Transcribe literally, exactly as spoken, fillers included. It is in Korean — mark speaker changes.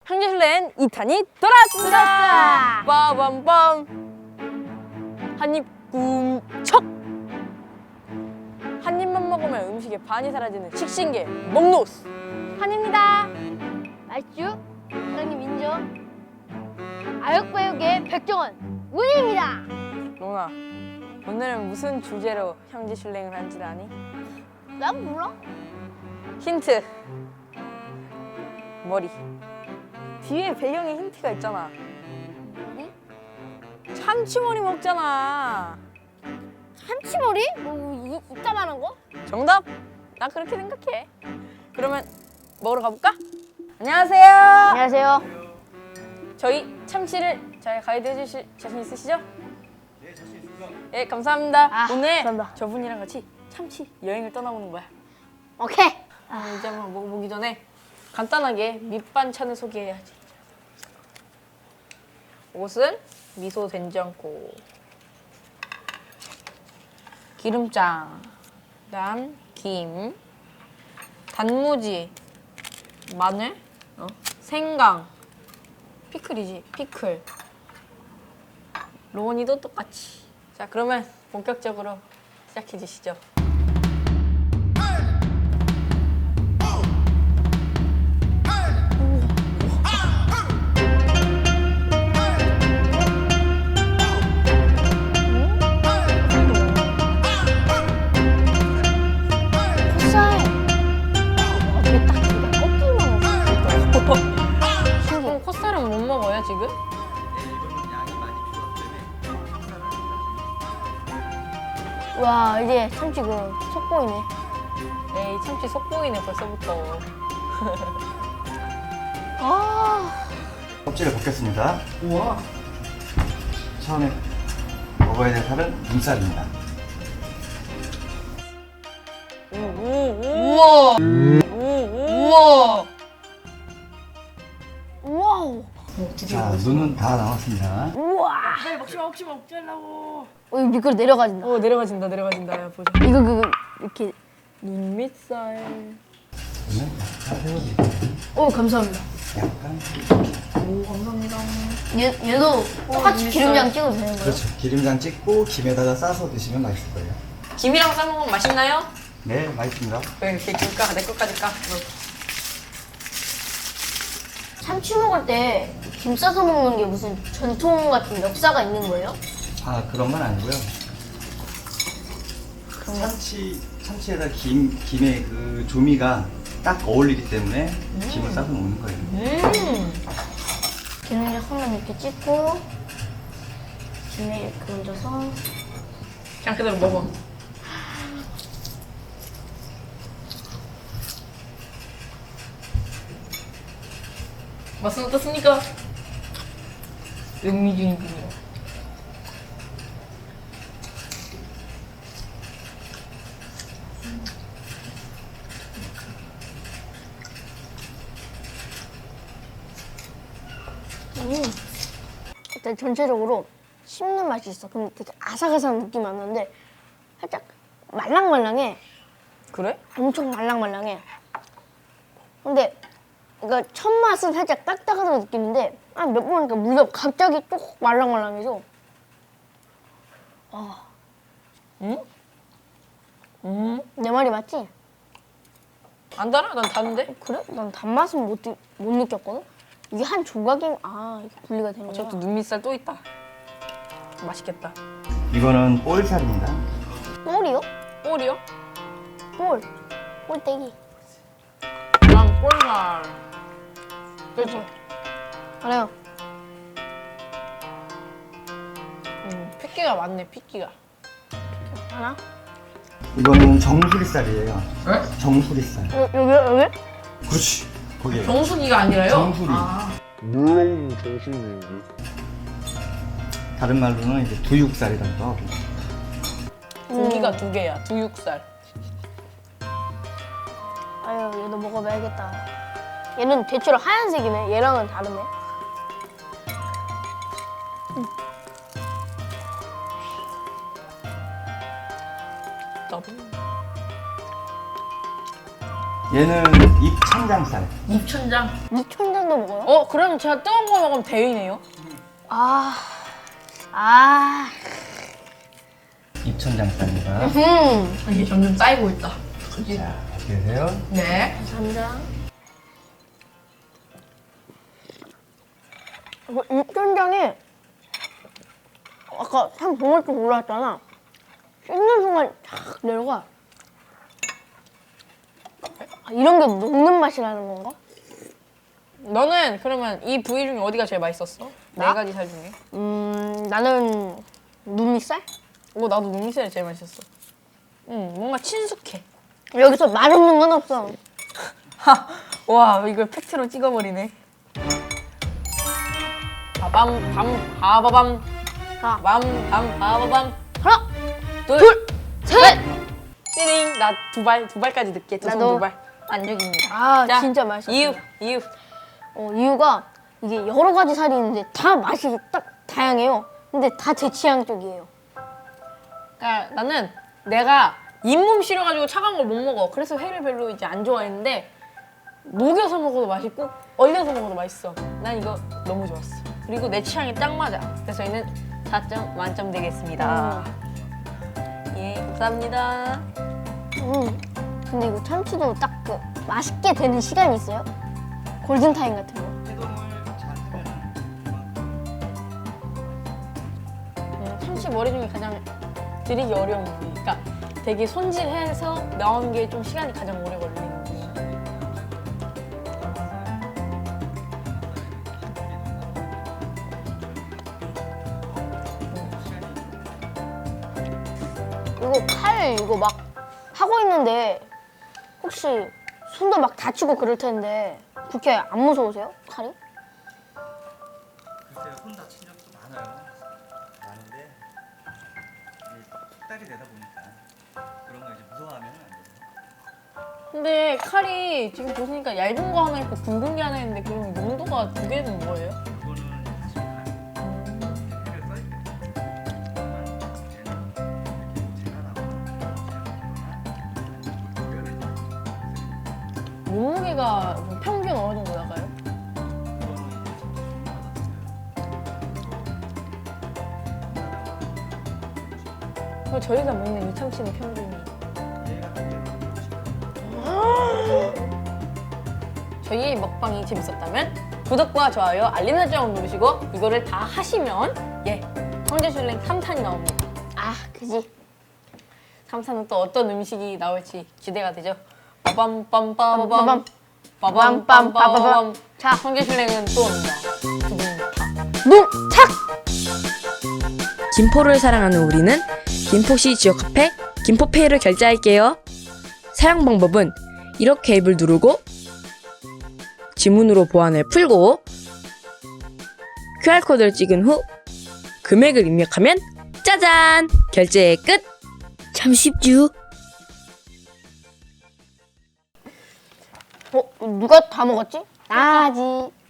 Speaker 1: 형제실렌 이 탄이 돌아왔습니다. 빠밤빰. 한입 꿈척. 한 입만 먹으면 음식의 반이 사라지는 식신계 먹노스 한입니다.
Speaker 2: 맛있죠? 사장님 인정. 아역배우계 백종원 문희입니다.
Speaker 1: 로나, 오늘은 무슨 주제로 형제실랭을 한지 아니?
Speaker 2: 난 몰라.
Speaker 1: 힌트. 머리. 뒤에 배경에 힌트가 있잖아.
Speaker 2: 머리?
Speaker 1: 참치머리 먹잖아.
Speaker 2: 참치머리? 뭐 이, 이따만한 거?
Speaker 1: 정답? 나 그렇게 생각해. 그러면 먹으러 가볼까? 안녕하세요.
Speaker 2: 안녕하세요.
Speaker 1: 저희 참치를 잘 가이드 해주실 자신 있으시죠? 네, 자신 있습니다. 예, 감사합니다.
Speaker 2: 아,
Speaker 1: 오늘
Speaker 2: 감사합니다.
Speaker 1: 저분이랑 같이 참치 여행을 떠나보는 거야.
Speaker 2: 오케이.
Speaker 1: 아, 이제 한번 먹어보기 전에 간단하게 밑반찬을 소개해야지. 옷은 미소 된장국, 기름장, 그다음 김, 단무지, 마늘, 어? 생강, 피클이지, 피클. 로운이도 똑같이. 자, 그러면 본격적으로 시작해 주시죠.
Speaker 2: 콧살. 어떻게 딱 그냥 꺾기만 했어.
Speaker 1: 그럼 콧살은 못 먹어요, 지금?
Speaker 2: 와 이제 참치 그 속보이네.
Speaker 1: 에이, 참치 속 보이네, 벌써부터.
Speaker 2: 아.
Speaker 3: 껍질을 벗겼습니다.
Speaker 1: 우와.
Speaker 3: 처음에 먹어야 될 살은 눈살입니다.
Speaker 1: 우와. 우와.
Speaker 2: 와우.
Speaker 3: 자, 눈은 다 나왔습니다.
Speaker 2: 우와.
Speaker 1: 빨리 먹지 마, 먹지 마, 먹지 말라고.
Speaker 2: 어, 이거 미끄러 내려가진다.
Speaker 1: 어, 내려가진다, 내려가진다. 야, 보자.
Speaker 2: 이거 그거 이렇게.
Speaker 1: 눈 밑살.
Speaker 3: 눈은 다 세워드릴게요.
Speaker 2: 오 감사합니다.
Speaker 3: 약간.
Speaker 1: 오, 감사합니다.
Speaker 2: 얘 얘도 똑같이
Speaker 1: 눈
Speaker 2: 기름장
Speaker 1: 밑살.
Speaker 2: 찍어도 되는 거예요?
Speaker 3: 그렇죠. 기름장 찍고 김에다가 싸서 드시면 맛있을 거예요.
Speaker 1: 김이랑 싸먹으면 맛있나요?
Speaker 3: 네, 맛있습니다.
Speaker 1: 왜 이렇게 김 까? 내 것까지 까.
Speaker 2: 참치 먹을 때 김 싸서 먹는 게 무슨 전통 같은 역사가 있는 거예요?
Speaker 3: 아, 그런 건 아니고요. 참치, 참치에다 김, 김의 그 조미가 딱 어울리기 때문에 김을 싸서 먹는 거예요.
Speaker 1: 음.
Speaker 2: 기름장 하나 이렇게 찍고 김에 이렇게 얹어서
Speaker 1: 그냥 그대로 먹어. 맛은 어떻습니까? 음미중이군요.
Speaker 2: 음. 일단 전체적으로 씹는 맛이 있어. 근데 되게 아삭아삭한 느낌이 안 나는데 살짝 말랑말랑해.
Speaker 1: 그래?
Speaker 2: 엄청 말랑말랑해. 근데 그러니까 첫 맛은 살짝 딱딱하다고 느끼는데 한 몇 번 하니까 무려 갑자기 쭉 말랑말랑해서 아,
Speaker 1: 응? 음.
Speaker 2: 내 말이 맞지?
Speaker 1: 안 달아? 난 다는데?
Speaker 2: 그래? 난 단맛은 못, 느- 못 느꼈거든? 이게 한 조각이 아 이게 분리가 되는 거야.
Speaker 1: 저것도 눈밑살 또 있다. 맛있겠다.
Speaker 3: 이거는 볼살입니다.
Speaker 2: 볼이요?
Speaker 1: 볼이요?
Speaker 2: 볼. 볼떼기.
Speaker 1: 난 볼살. 그렇죠.
Speaker 2: 알아요.
Speaker 1: 음, 핏기가 많네, 핏기가.
Speaker 2: 하나?
Speaker 3: 이거는 정수리살이에요.
Speaker 1: 네?
Speaker 3: 정수리살.
Speaker 2: 여, 여기 여기?
Speaker 3: 그렇지. 거기에.
Speaker 1: 정수기가 아니라요?
Speaker 3: 정수리.
Speaker 1: 아.
Speaker 4: 물론 정신인데.
Speaker 3: 다른 말로는 이제 두육살이라고 하고.
Speaker 1: 고기가 두 개야, 두육살.
Speaker 2: 아유 얘도 먹어봐야겠다. 얘는 대체로 하얀색이네. 얘랑은 다르네.
Speaker 1: 더블.
Speaker 3: 얘는 입천장살.
Speaker 1: 입천장.
Speaker 2: 미천장도 먹어요?
Speaker 1: 어, 그러면 제가 뜨거운 거 먹으면 대위네요.
Speaker 2: 아, 아,
Speaker 3: 입천장살입니다.
Speaker 2: 음,
Speaker 1: 이게 점점 쌓이고 있다.
Speaker 3: 자, 어떻게 되세요?
Speaker 1: 네.
Speaker 2: 감사합니다. 이거 입천장에 아까 한 봉을 좀 올라왔잖아. 씹는 순간 쫙 내려가. 아, 이런 게 녹는 맛이라는 건가?
Speaker 1: 너는 그러면 이 부위 중에 어디가 제일 맛있었어?
Speaker 2: 나?
Speaker 1: 네 가지 살 중에.
Speaker 2: 음, 나는 누미살?
Speaker 1: 오, 나도 눈미살이 제일 맛있었어. 응, 뭔가 친숙해.
Speaker 2: 여기서 맛없는 건 없어.
Speaker 1: 하, 와, 이걸 팩트로 찍어버리네. 바밤, 밤, 바바밤,
Speaker 2: 자,
Speaker 1: 밤, 밤, 바바밤.
Speaker 2: 하나,
Speaker 1: 둘,
Speaker 2: 둘, 셋!
Speaker 1: 띠링. 나 두 발, 두 발까지 늦게. 두 손
Speaker 2: 나도.
Speaker 1: 두 발. 만족입니다.
Speaker 2: 아,
Speaker 1: 자,
Speaker 2: 진짜 맛있어.
Speaker 1: 이유, 이유.
Speaker 2: 어, 이유가 이게 여러 가지 살이 있는데 다 맛이 딱 다양해요. 근데 다 제 취향 쪽이에요.
Speaker 1: 그러니까 나는 내가 잇몸 시려가지고 차가운 걸 못 먹어. 그래서 회를 별로 이제 안 좋아했는데 녹여서 먹어도 맛있고 얼려서 먹어도 맛있어. 난 이거 너무 좋았어. 그리고 내 취향이 딱 맞아. 그래서 저희는 사 점 만점 되겠습니다. 예, 감사합니다.
Speaker 2: 음. 근데 이거 참치도 딱 그 맛있게 되는 시간이 있어요? 골든타임 같은 거.
Speaker 3: 해동을 잘 하면
Speaker 1: 음, 참치 머리 중에 가장 들이기 어려운 부위. 그러니까 되게 손질해서 나오는 게 좀 시간이 가장 오래 걸리는 부위.
Speaker 2: 이거 칼 이거 막 하고 있는데 혹시 손도 막 다치고 그럴 텐데 그렇게 안 무서우세요? 칼이?
Speaker 3: 글쎄요, 손 다친 적도 많아요. 많은데 이게 딸이 되다 보니까 그런 거 이제 무서워하면 안 돼요.
Speaker 1: 근데 칼이 지금 보시니까 얇은 거 하나 있고 굵은 게 하나 있는데 그럼 용도가 두 개는 뭐예요?
Speaker 3: 그거는 지금 해를 써있기 때문에 얘는 제가 나와
Speaker 1: 몸무게가 평균 어느 정도 나가요? 그럼 저희가 먹는 이 참치는 평균이 저희의 먹방이 재밌었다면 구독과 좋아요, 알림 설정 누르시고 이거를 다 하시면 예, 황제슐랭 삼 탄이 나옵니다.
Speaker 2: 아, 그지.
Speaker 1: 삼 탄은 또 어떤 음식이 나올지 기대가 되죠. 빠밤빰빠바밤
Speaker 2: 빠밤.
Speaker 1: 빠밤빰빠바밤.
Speaker 2: 자.
Speaker 1: 황제슐랭은 또 옵니다. 두분 다.
Speaker 2: 농착!
Speaker 5: 김포를 사랑하는 우리는 김포시 지역 카페 김포페이를 결제할게요. 사용 방법은 이렇게 앱을 누르고 지문으로 보안을 풀고 큐알코드를 찍은 후 금액을 입력하면 짜잔! 결제 끝! 참 쉽죠?
Speaker 2: 어, 누가 다 먹었지? 나지.